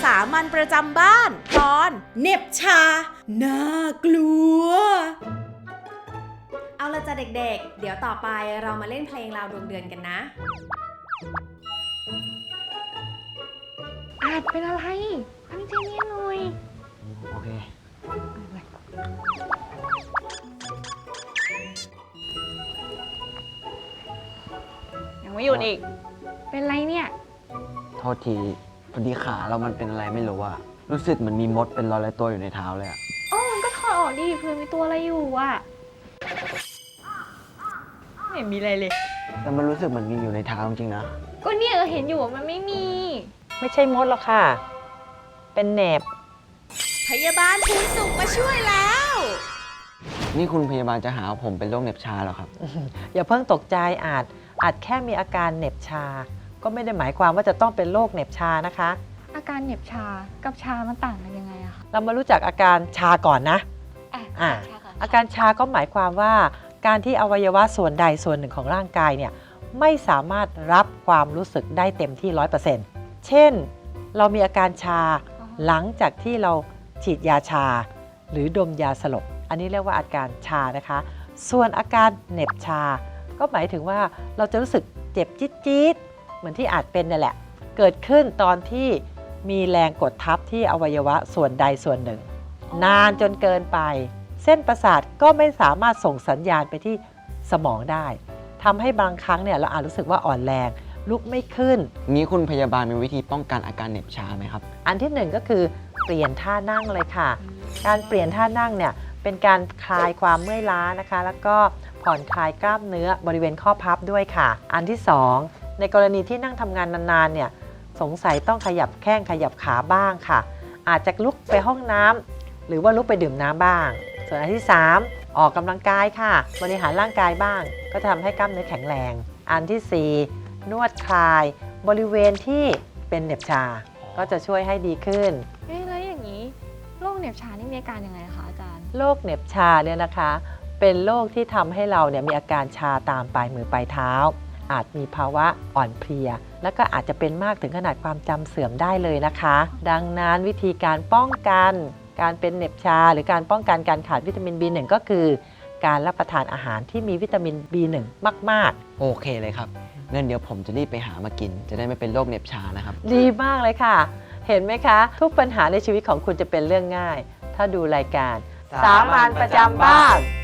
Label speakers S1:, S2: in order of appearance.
S1: สามัญประจำบ้านตอนเหน็บชาน่ากลัว
S2: เอาละจ้ะเด็กๆเดี๋ยวต่อไปเรามาเล่นเพลงราวดวงเดือนกันนะ
S3: อาจเป็นอะไรตั้งใจเรียนหน่อย
S4: โอเค
S3: ยังไม่หยุดอีกเป็นไรเนี่ย
S4: โทษทีพอดีขาเรามันเป็นอะไรไม่รู้อะรู้สึกเหมือนมีมดเป็นร้อยๆตัวอยู่ในเท้าเลยอะ
S3: มันก็ถอดออกดิเผื่อมีตัวอะไรอยู่อะไม่เห็นมีอะไรเลย
S4: แต่มันรู้สึกเหมือนมีอยู่ในเท้าจริงๆนะ
S3: ก็เนี่ยเห็นอยู่ว่ามันไม่มี
S5: ไม่ใช่มดหรอกค่ะเป็นแหนบ
S1: พยาบาลภูนสุขมาช่วยแล้ว
S4: นี่คุณพยาบาลจะหาว่าผมเป็นโรคเหน็บชาเหรอครับ
S5: อย่าเพิ่งตกใจอาจแค่มีอาการเหน็บชาก็ไม่ได้หมายความว่าจะต้องเป็นโรคเหน็บชานะคะ
S3: อาการเหน็บชากับชามันต่างกันยังไงอะคะ
S5: เรามารู้จักอาการชาก่อนนะอาการชาก็หมายความว่าการที่อวัยวะส่วนใดส่วนหนึ่งของร่างกายเนี่ยไม่สามารถรับความรู้สึกได้เต็มที่ 100% เช่นเรามีอาการชาหลังจากที่เราฉีดยาชาหรือดมยาสลบอันนี้เรียกว่าอาการชานะคะส่วนอาการเหน็บชาก็หมายถึงว่าเราจะรู้สึกเจ็บจี๊ดๆเหมือนที่อาจเป็นนั่นแหละเกิดขึ้นตอนที่มีแรงกดทับที่อวัยวะส่วนใดส่วนหนึ่งนานจนเกินไปเส้นประสาทก็ไม่สามารถส่งสัญญาณไปที่สมองได้ทำให้บางครั้งเนี่ยเราอาจรู้สึกว่าอ่อนแรงลุกไม่ขึ้น
S4: นี้คุณพยาบาลมีวิธีป้องกันอาการเหน็บชาไหมครับ
S5: อันที่หนึ่งก็คือเปลี่ยนท่านั่งเลยค่ะการเปลี่ยนท่านั่งเนี่ยเป็นการคลายความเมื่อยล้านะคะแล้วก็ผ่อนคลายกล้ามเนื้อบริเวณข้อพับด้วยค่ะอันที่สองในกรณีที่นั่งทำงานนานๆเนี่ยสงสัยต้องขยับแข้งขยับขาบ้างค่ะอาจจะลุกไปห้องน้ำหรือว่าลุกไปดื่มน้ำบ้างส่วนอันที่3ออกกำลังกายค่ะบริหารร่างกายบ้างก็จะทำให้กล้ามเนื้อแข็งแรงอันที่4นวดคลายบริเวณที่เป็นเหน็บชาก็จะช่วยให้ดีขึ้น
S3: แล้วอย่างนี้โรคเหน็บชานี่มีอาการยังไงคะอาจารย์
S5: โรคเหน็บชาเนี่ยนะคะเป็นโรคที่ทำให้เราเนี่ยมีอาการชาตามปลายมือปลายเท้าอาจมีภาวะอ่อนเพลียและก็อาจจะเป็นมากถึงขนาดความจำเสื่อมได้เลยนะคะดังนั้นวิธีการป้องกันการเป็นเหน็บชาหรือการป้องกันการขาดวิตามิน B1 ก็คือการรับประทานอาหารที่มีวิตามิน B1 มาก
S4: ๆโอเคเลยครับงั้นเดี๋ยวผมจะรีบไปหามากินจะได้ไม่เป็นโรคเหน็บชานะครับ
S5: ดีมากเลยค่ะเห็นไหมคะทุกปัญหาในชีวิตของคุณจะเป็นเรื่องง่ายถ้าดูรายการสามัญประจำบ้าน